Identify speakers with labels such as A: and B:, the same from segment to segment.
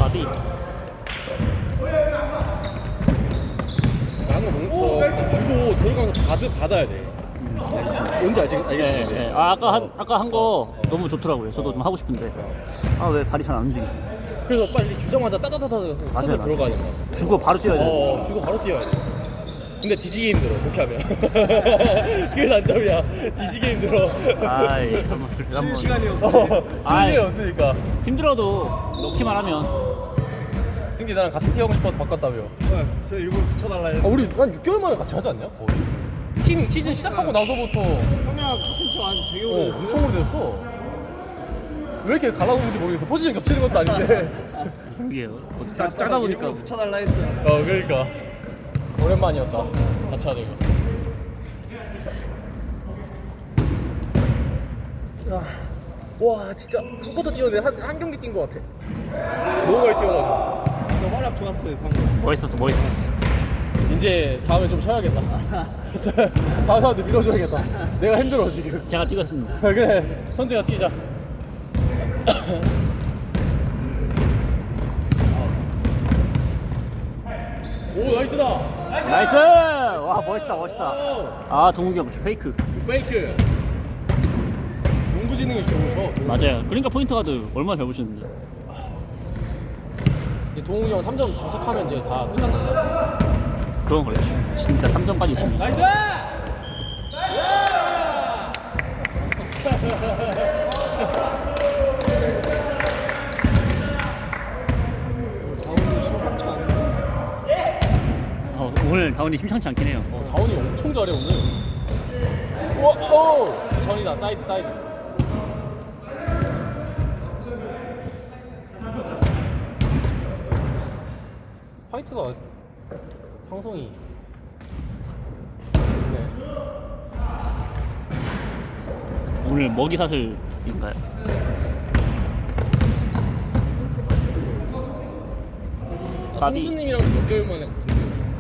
A: 바비.
B: 나는 뭐 주고 들어가서 받아야 돼. 뭔지 알겠지?
A: 네. 아, 아까 한 거 너무 좋더라고요. 저도 좀 하고 싶은데. 아, 왜 발이 잘 안 움직이지?
B: 그래서 빨리 주자마자 따다다다
A: 맞아요.
B: 들어가야 된다.
A: 주고 바로 뛰어야 돼.
B: 주고 바로 뛰어야 돼. 근데 뒤지게 힘들어 그렇게 하면. 그게 단점이야. 뒤지게 힘들어.
A: 아이,
B: 쉴 시간이 없어. 쉴 일이 없으니까.
A: 힘들어도 넣기만 하면.
B: 승기 나랑 같이 뛰어가고 싶어서 바꿨다며.
C: 네, 저 일부러 붙여달라 해서.
B: 우리 한 6개월 만에 같이 하지 않냐? 거의. 시즌 시작하고 나서부터
C: 형이랑 같은 팀 안에서 되게 오래 됐어요.
B: 엄청 오래됐어. 왜 이렇게 갈라오는지 모르겠어. 포지션 겹치는 것도 아닌데.
A: 그게요. 짜다 보니까.
C: 일부러 붙여달라 했죠.
B: 그러니까 오랜만이었다. 같이 하는 거. 와 진짜 한 쿼터 뛰었는데 한 경기 뛴 것 같아. 너무 많이 뛰어가지고.
C: 근데 활약 좋았어요 방금.
A: 멋있었어.
B: 이제 다음에 좀 쉬어야겠다. 다른 사람들 밀어줘야겠다. 내가 힘들어 지금.
A: 제가 뛰겠습니다.
B: 그래 선재가 뛰자. 오 나이스다.
A: 나이스! 와, 멋있다. 아, 동욱이 형 페이크.
B: 페이크. 농구 지능이 좋으셔.
A: 맞아요. 그러니까 포인트 가드 얼마나 잘 보시는데.
B: 동욱이 형 3점 장착하면 이제 다 끝났나?
A: 그런 거죠. 진짜 3점까지 있습니다.
B: 나이스!
A: 오늘 다운이 심상치 않긴 해요.
B: 다운이 엄청 잘해 오늘. 오! 전이다 사이드. 화이트가 상성이. 네.
A: 오늘 먹이사슬인가요? 바비.
B: 성수님이랑 몇 개월 만에 같은 팀이었어.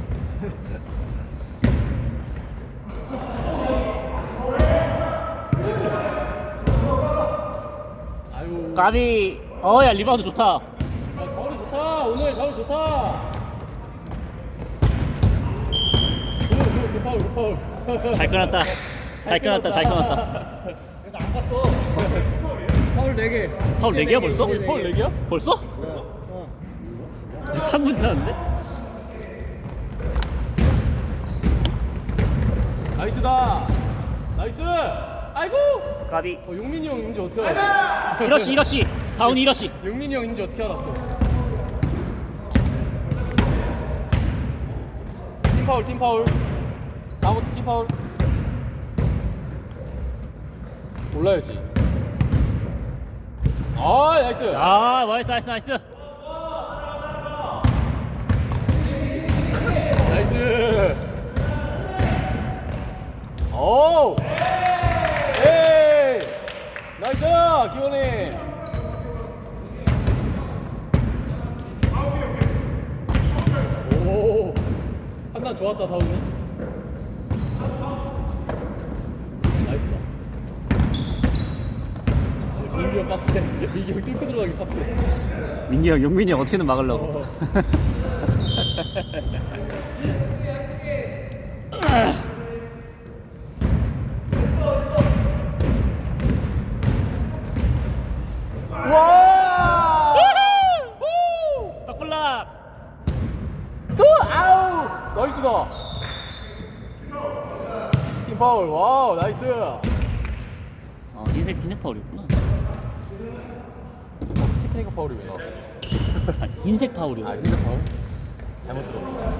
B: 아유.
A: 까비. 야, 리바운드 좋다.
B: 가을이 좋다. 오늘 가을 좋다. 그 파울.
A: 잘 끊었다.
C: 안 갔어. 파울 4개.
A: 파울 4개야 벌써?
B: 파울 4개야?
A: 벌써? 3분 지났는데?
B: 나이스다. 나이스. 아이고.
A: 까비.
B: 용민이 형 인지 어떻게 알았어?
A: 이러시. 다운이 이러시.
B: 용민이 형 인지 어떻게 알았어? 팀 파울. 다음부터 팀 파울. 올라야지. 나이스.
A: 아, 나이스.
B: 나이스. 오. 에이. 나이스. 기원이. 오. 판단 좋았다 다운이. 나이스다. 민기 형 빡세. 민기 형 뚫고 들어가기 빡세.
A: 민기 형, 용민이 형 어떻게든 막으려고.
B: 와!
A: 덕블락.
B: 또 아우! 나이스다. 팀 파울. 와우, 나이스.
A: 흰색 파울이구나.
B: 티테이크 파울이 왜 나와?
A: 흰색 파울이요.
B: 흰색 파울? 잘못 들었네.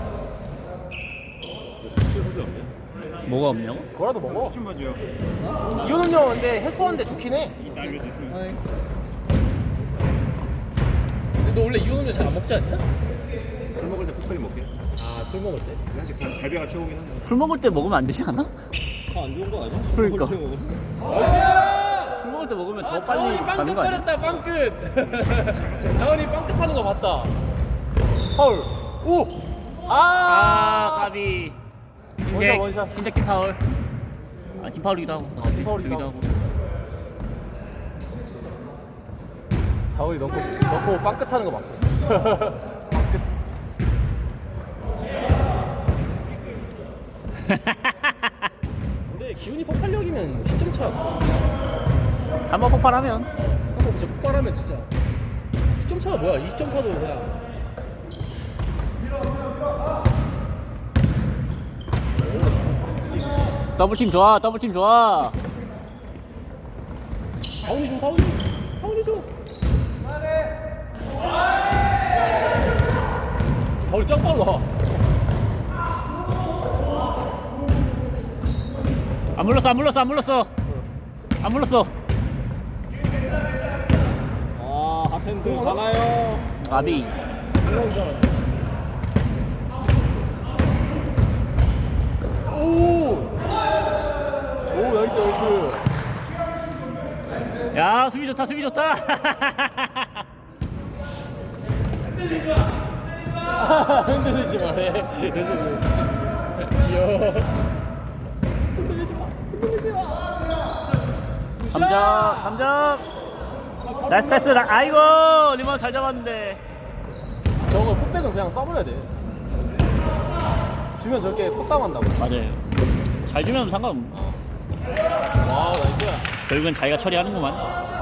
B: 수출 소지 없네.
A: 뭐가 없냐고?
B: 그거라도 먹어.
C: 추천 바지요.
B: 이거는 형 근데 해소하는데 좋긴 해.
C: 아니.
B: 근데 너 원래 이거는 잘 안 먹지 않냐?
C: 술 먹을 때 포크림 먹게.
B: 아, 술 먹을 때?
C: 사실 갈비가 최고긴 한데.
A: 술 먹을 때 먹으면 안 되지 않아?
C: 다 안 좋은 거 아니야?
A: 그러니까.
C: 술 먹을 때 먹으면?
B: 나이스!
A: 술 먹을 때 먹으면 더
B: 다운이
A: 빨리
B: 빵끝
A: 가는 거 아니야?
B: 거렸다, 빵끝. 다운이 빵끝 하는 거 봤다. 파울. 오!
A: 까비.
B: 원샷.
A: 흰색 팀 파울. 팀 파울이기도 하고.
B: 팀 파울이기도
A: 저기도
B: 하고. 다운이 넣고 빵끝 하는 거 봤어. 빵끝. 근데 기훈이 폭발력이면 10점 차.
A: 한번 폭발하면
B: 한번 진짜 폭발하면 진짜 10점 차가 뭐야? 20점 차도 그냥.
A: 더블팀 좋아. 더블팀 좋아.
B: 다운이 줘, 다운이 줘. 다운이 짱 빨라.
A: 안 물렀어.
C: 아 하텐드 가나요?
A: 아비.
B: 오, 나이스.
A: 야, 수비 좋다.
B: 흔들리지 말해. 귀여워. 흔들리지 마.
A: 감정. 나이스 패스. 아이고, 리바운드 잘 잡았는데.
B: 저거 풋백은 그냥 써버려야 돼. 주면 저렇게 컷다운한다고.
A: 맞아요. 잘 주면 상관없네.
B: 와, 나이스야.
A: 결국엔 자기가 처리하는구만.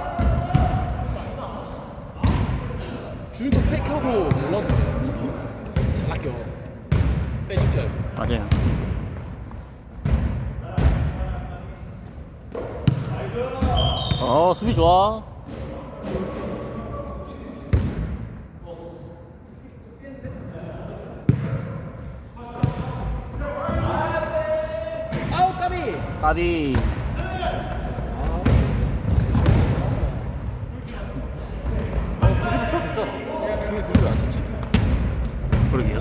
B: 주는 척 팩하고 몰라도 돼. 잘 아껴. 빼줄 줄 알고.
A: 맞아요. 수비 좋아.
B: 아우, 까비.
A: 까비.
B: 드리블 쳐도 됐잖아. 그게 드리블 안 쳤지.
A: 그러게요.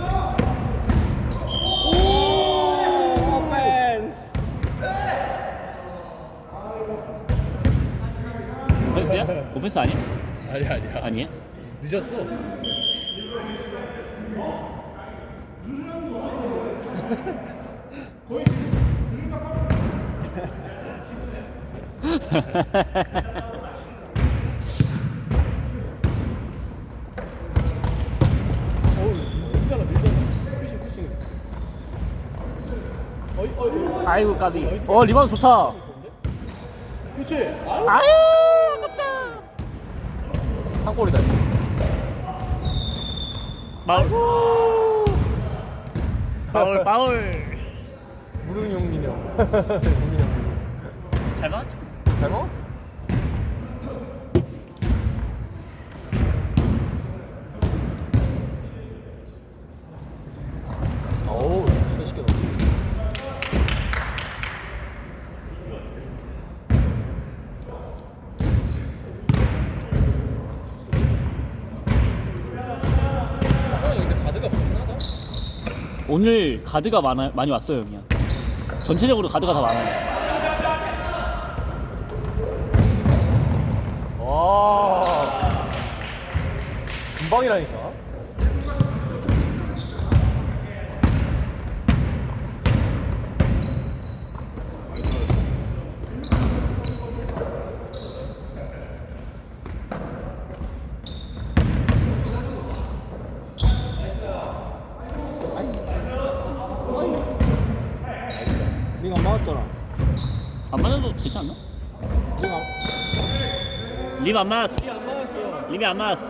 C: 오 오펜스.
A: 오펜스야? 오펜스 아니야?
B: 아니야.
A: 아니에요?
B: 늦었어. 밀잖아. 푸싱. 어이.
A: 아이고 까비. 리바운드 좋다.
B: 그렇지.
A: 아유 아깝다.
B: 한 골이다.
A: 파울.
B: 무릉용 민영.
A: 잘 맞았죠?
B: 잘 먹었어. 어우, 진짜 쉽게 넣었어. 형이 근데 가드가 좋긴 하다.
A: 오늘 가드가 많이 왔어요 그냥. 전체적으로 가드가 다 많아요.
B: 와, 금방이라니까.
C: 네가 안 맞았잖아.
A: 안 맞아도 되지 않나?
C: 네가
A: 립 안 맞았어. 립이 안 맞았어.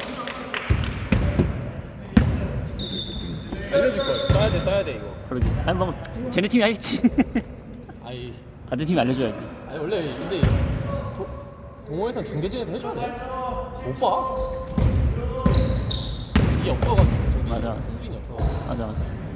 B: 알려줄 걸. 써야 돼 이거.
A: 그러게. 아니 뭐 쟤네 팀이 알겠지.
B: 아이,
A: 같은 팀이 알려줘야지.
B: 아니 원래 근데 동호회선 중계진에서 해줘야 돼. 못 봐. 이게 없어가지고 저기
A: 맞아.
B: 스크린이 없어.
A: 맞아.